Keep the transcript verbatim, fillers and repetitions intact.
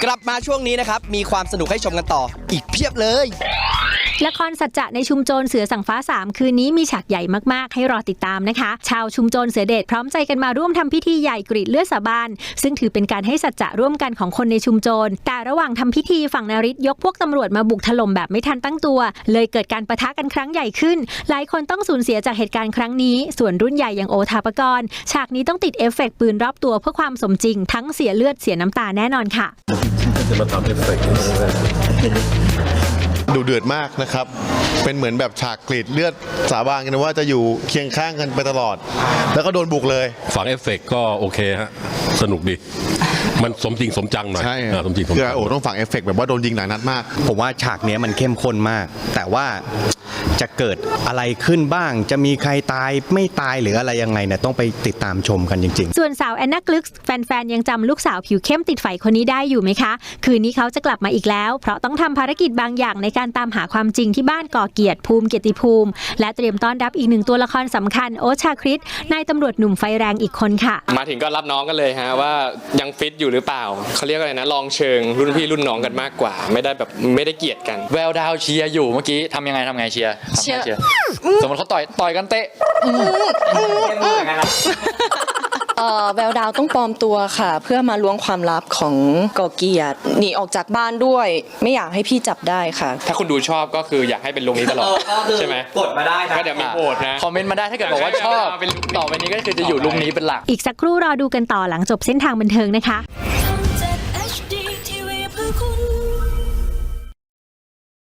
กลับมาช่วงนี้นะครับมีความสนุกให้ชมกันต่ออีกเพียบเลยละครสัจจะในชุมโจรเสือสังฟ้าสามคืนนี้มีฉากใหญ่มากๆให้รอติดตามนะคะชาวชุมโจรเสือเดชพร้อมใจกันมาร่วมทำพิธีใหญ่กรีดเลือดสาบานซึ่งถือเป็นการให้สัจจะร่วมกันของคนในชุมโจรแต่ระหว่างทำพิธีฝั่งนฤทธิ์ยกพวกตำรวจมาบุกถล่มแบบไม่ทันตั้งตัวเลยเกิดการปะทะกันครั้งใหญ่ขึ้นหลายคนต้องสูญเสียจากเหตุการณ์ครั้งนี้ส่วนรุ่นใหญ่อย่างโอทาปกรณ์ฉากนี้ต้องติดเอฟเฟกต์ปืนรอบตัวเพื่อความสมจริงทั้งเสียเลือดเสียน้ำตาแน่นอนค่ะจะมาทำเอฟเฟกต์ดูเดือดมากนะครับเป็นเหมือนแบบฉากกรีดเลือดสาบานกันว่าจะอยู่เคียงข้างกันไปตลอดแล้วก็โดนบุกเลยฝังเอฟเฟกต์ก็โอเคฮะสนุกดีมันสมจริงสมจังหน่อยใช่สมจริงสมจังคือโอ้ต้องฝังเอฟเฟกต์แบบว่าโดนยิงหลายนัดมากผมว่าฉากนี้มันเข้มข้นมากแต่ว่าจะเกิดอะไรขึ้นบ้างจะมีใครตายไม่ตายหรืออะไรยังไงเนี่ยต้องไปติดตามชมกันจริงๆส่วนสาวแอนนากลึกแฟนๆยังจำลูกสาวผิวเข้มติดไฟคนนี้ได้อยู่ไหมคะคืนนี้เขาจะกลับมาอีกแล้วเพราะต้องทำภารกิจบางอย่างในการตามหาความจริงที่บ้านก่อเกียรติภูมิเกียรติภูมิและเตรียมต้อนรับอีกหนึ่งตัวละครสำคัญโอ๊ตชาคริตนายตำรวจหนุ่มไฟแรงอีกคนค่ะมาถึงก็รับน้องกันเลยฮะว่ายังฟิตอยู่หรือเปล่าเขาเรียกอะไรนะลองเชิงรุ่นพี่รุ่นน้องกันมากกว่าไม่ได้แบบไม่ได้เกลียดกันแววดาวเชียร์อยู่เมื่อกี้ทำยังไงทำไงเชียร์เชียร์สมมติเขาต่อยต่อยกันเตะเอ่อแววดาวต้องปลอมตัวค่ะเพื่อมาล้วงความลับของก่อเกียรติหนีออกจากบ้านด้วยไม่อยากให้พี่จับได้ค่ะถ้าคุณดูชอบก็คืออยากให้เป็นลงนี้ตลอดใช่ไหมกดมาได้นะก็เดี๋ยวมีโหวตนะคอมเมนต์มาได้ถ้าเกิดบอกว่าชอบต่อไปนี้ก็คือจะอยู่ลุงนี้เป็นหลักอีกสักครู่รอดูกันต่อหลังจบเส้นทางบันเทิงนะคะ